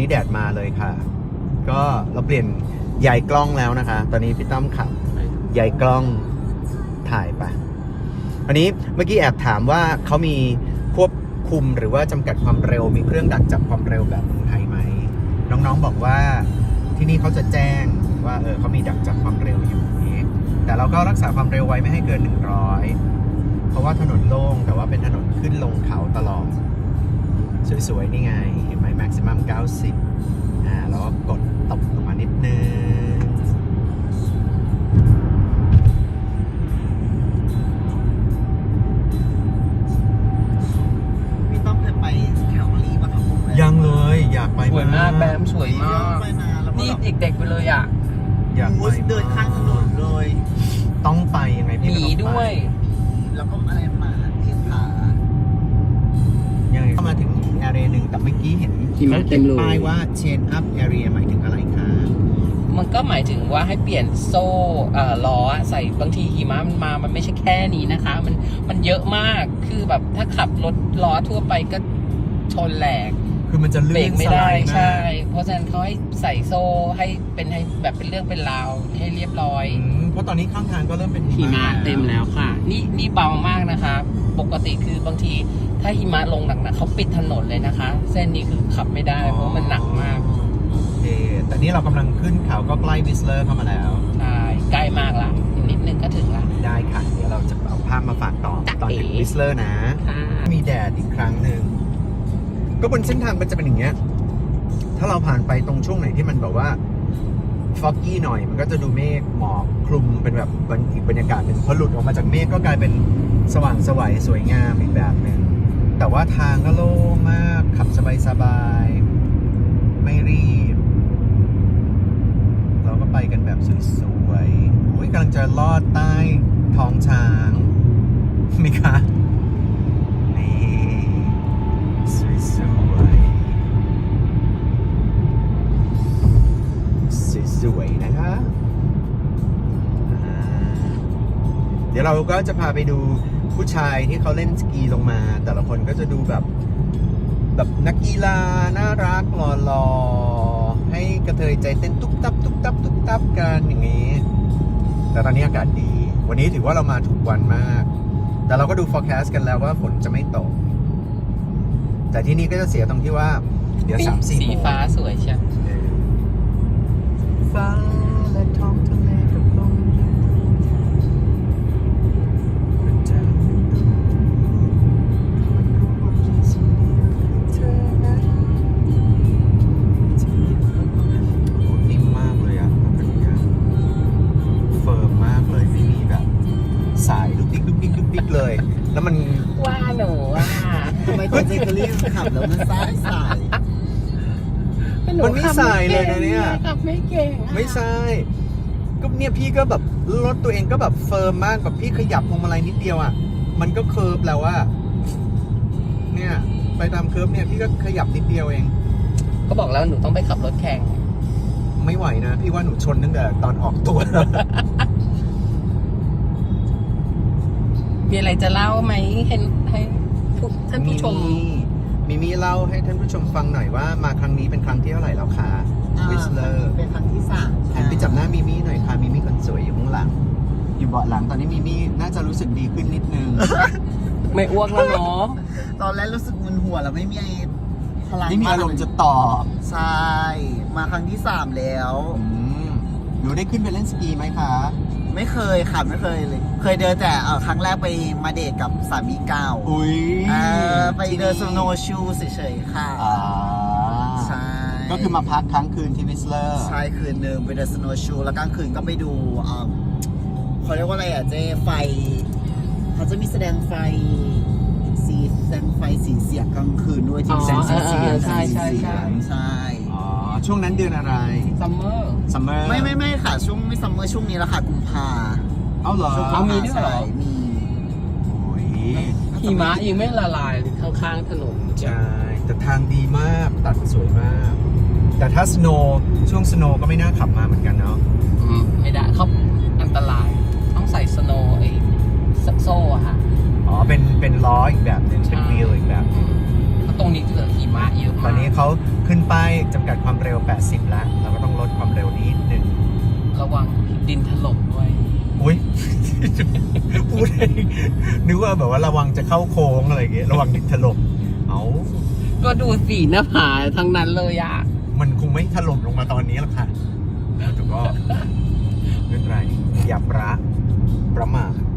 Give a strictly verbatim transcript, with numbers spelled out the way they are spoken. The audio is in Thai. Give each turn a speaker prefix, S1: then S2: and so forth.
S1: นี้แดดมาเลยค่ะก็เราเปลี่ยนใหญ่กล้องแล้วนะคะตอนนี้พี่ต้อมขับใหญ่กล้องถ่ายไปวันนี้เมื่อกี้แอบถามว่าเขามีควบคุมหรือว่าจำกัดความเร็วมีเครื่องดักจับความเร็วแบบเมืองไทยไหมน้องๆบอกว่าที่นี่เขาจะแจ้งว่าเออเขามีดักจับความเร็วอยู่นี้แต่เราก็รักษาความเร็วไว้ไม่ให้เกินหนึ่งร้อยเพราะว่าถนนโล่งแต่ว่าเป็นถนนขึ้นลงเขาตลอดสวยๆนี่ไงเห็นไหม maximum เก้าสิบอ่าแล้วก็กดตบลงมานิดนึง
S2: พี่ต้องเคยไปแคลอรี่ปะครับผม
S1: ยังเลยอยากไป
S3: สวยมากแบมสวยมาก
S2: ไปนานแล้ว
S3: นี่เด็กๆไปเลยอ่ะ
S1: อยากไป
S2: เดินข้างถนนเลย
S1: ต้องไปยังไง
S3: ห
S1: พี่
S3: มีด้วย
S2: แล้วก็อะไรมาเทียบขา
S1: ยังไงเข้ามาถึงอีก area หนึ่งแต่เมื่อกี้เห็น
S3: หิมะเต็มเลย
S1: ป้ายว่า chain up area หมายถึงอะไรคะ
S3: มันก็หมายถึงว่าให้เปลี่ยนโซ่เอ่อล้อใส่บางทีหิมะมันมามันไม่ใช่แค่นี้นะคะ มันมันเยอะมากคือแบบถ้าขับรถล้อทั่วไปก็ชนแหลก
S1: คือมันจะ
S3: เบร
S1: ลื่
S3: ก
S1: น
S3: ไม่
S1: ส
S3: ได้
S1: ลายมา
S3: ใช่
S1: ก
S3: เพราะฉะนั้นเขาให้ใส่โซ่ให้เป็นให้แบบเป็นเรื่องเป็นราวให้เรียบร้อย
S1: อืมเพราะตอนนี้ข้างทางก็เริ่มเป็น
S3: หิมะเต็มแล้วค่ะ นี่นี่เบามากนะคะ ปกติคือบางทีถ้าหิมะลงหนักๆเขาปิดถนนเลยนะคะ เส้นนี้คือขับไม่ได้เพราะมันหนักมาก
S1: โอเคแต่นี่เรากำลังขึ้นเขาก็ใกล้วิสเลอร์เข้ามาแล้ว
S3: ใช่ใกล้มากละอีกนิดนึงก็ถึงละ
S1: ได้ค่ะ เดี๋ยวเราจะเอาภาพมาฝากต่อ
S3: จ๊ะ
S1: ตอนถึง
S3: เอ๋
S1: วิสเลอร์นะ
S3: ค่ะ
S1: มีแดดอีกครั้งหนึ่งก็บนเส้นทางมันจะเป็นอย่างเงี้ยถ้าเราผ่านไปตรงช่วงไหนที่มันแบบว่าฟอกกี้หน่อยมันก็จะดูเมฆหมอกคลุมเป็นแบบอีกบรรยากาศหนึ่งพอหลุดออกมาจากเมฆก็กลายเป็นสว่างไสวสวยงามอีกแบบหนึ่งแต่ว่าทางก็โล่งมากขับสบายๆไม่รีบเราก็ไปกันแบบสวยๆโอ้ยกำลังจะลอดใต้ท้องช้างมีคะนี่สวยๆสวยๆนะคะอ่าเดี๋ยวเราก็จะพาไปดูผู้ชายที่เขาเล่นสกีลงมา แต่ละคนก็จะดูแบบแบบนักกีฬาน่ารักหล่อๆให้กระเทยใจเต้นตุ๊บตับตุ๊บตับตุ๊บตับกันอย่างนี้ แต่ตอนนี้อากาศดี วันนี้ถือว่าเรามาถูกวันมาก แต่เราก็ดู forecast กันแล้วว่าฝนจะไม่ตก แต่ที่นี่ก็จะเสียตรงที่ว่าเดี๋ยวสามสี่
S3: สีฟ้าสวยใช่
S1: ฟ้าและท้องทะเลกับลมนิ่มมากเลยอ่ะเป็นอย่างเงี้ยเฟิร์มมากเลยไม่มีแบบสายลุกดิ๊กลุกดิ๊กลุกดิ๊กเลย แล้วมัน
S3: ว่าหนูอ่ะ
S2: ทำไมตัวเจคลี่ขับแล้วมันซ้ายสาย
S1: มันไม่สายเลยนะเนี่ย
S3: ขับไม่เก่งอะ
S1: ไม่ใช่ก็เนี่ยพี่ก็แบบรถตัวเองก็แบบเฟิร์มมากแบบพี่ขยับพวงมาลัยนิดเดียวอ่ะมันก็เคิร์ฟแล้วว่าเนี่ยไปตามเคิร์ฟเนี่ยพี่ก็ขยับนิดเดียวเอง
S3: ก็บอกแล้วหนูต้องไปขับรถแข่ง
S1: ไม่ไหวนะพี่ว่าหนูชนตั้งแต่ตอนออกตัวแล้ว
S3: มีอะไรจะเล่าไหมให้ให้ผู้ท่านผู้ชม
S1: มีมีเล่าให้ท่านผู้ชมฟังหน่อยว่ามาครั้งนี้เป็นครั้งที่เท่าไหร่แล้วคะวิสเลอร์
S2: เป็นครั้งที่สาม
S1: หันไปจับหน้ามิมี่หน่อยค่ะมิมี่คนสวยอยู่ข้างหลัง อยู่เบาะหลังตอนนี้มิมี่น่าจะรู้สึกดีขึ้นนิดนึง
S3: ไม่อ้วกแล้วเนาะ
S2: ตอนแรกรู้สึกมึนหัวแล้วไม่มีพลัง
S1: ไม่มีอารมณ์จะตอบ
S2: ใช่ มาครั้งที่สามแล้ว
S1: อืมหนูได้ขึ้นไปเล่นสกีไหมคะ
S2: ไม่เคยค่ะไม่เคยเลย เคยเดินแต่เอ่อครั้งแรกไปมาเดทกับสามีเก่า
S1: อุ้ย
S2: เออไปเดินสโนว์ชูเฉยๆค่ะ
S1: อ่า
S2: ใช่
S1: ก็คือมาพักค้างคืนที่วิสเลอร์
S2: ใช่คืนหนึ่งไปเดินสโนว์ชูแล้วกลางคืนก็ไปดูเอ่อเขาเรียกว่าอะไรอ่ะเจ๊ไฟเขาจะมีแสดงไฟสีแสดงไฟสีเสียงกลางคืนด้วยที่
S3: อ๋อ
S2: แสงสีเสียง
S3: เออใช่ใช่ใช่
S2: ใช่
S1: อ๋อ ช่วงนั้นเดือนอะไร
S3: ซัมเมอร์
S1: ซัมเมอร์
S2: ไม่ไม่ไม่ค่ะช่วงไม่ซัมเมอร์ช่วงนี้แล้วค่ะกุมภา
S1: เอาเหรอ
S2: ช่วง
S3: เอามีด้วยเหรอ
S2: ใช่มี
S1: โอ้ย
S3: หิมะยังไม่ละลายเลยข้างๆถนน
S1: ใช่ แต่ทางดีมาก ตัดสวยมาก แต่ถ้าสโนว์ช่วงสโนว์ก็ไม่น่าขับมาเหมือนกันเนาะ
S3: อืมไม่ได้เขาอันตราย ต้องใส่สโนว์ไอ้โซ่อะค่ะ
S1: อ๋อ เป็น เป็นล้ออีกแบบหนึ่งเป็นวีลอีกแบบหนึ่ง
S3: เขาตรงนี้เกิดหิมะเยอะ
S1: ต
S3: มา
S1: อก นนี้เขาขึ้นป้ายจำกัดความเร็ว แปดสิบ แล้ว เราก็ต้องลดความเร็วนิดหนึ่ง
S3: ระวังดินถล่มด้วย
S1: อุ้ย พูดเองนึกว่าแบบว่าระวังจะเข้าโค้งอะไรอย่างเงี้ยระวังดินถล่มเอา
S3: ก็ดูสีหน้าผาทั้งนั้นเลยอะ
S1: มันคงไม่ถล่มลงมาตอนนี้หรอกค่ะแต่ก็ไม่เป็นไรอย่าประประมาท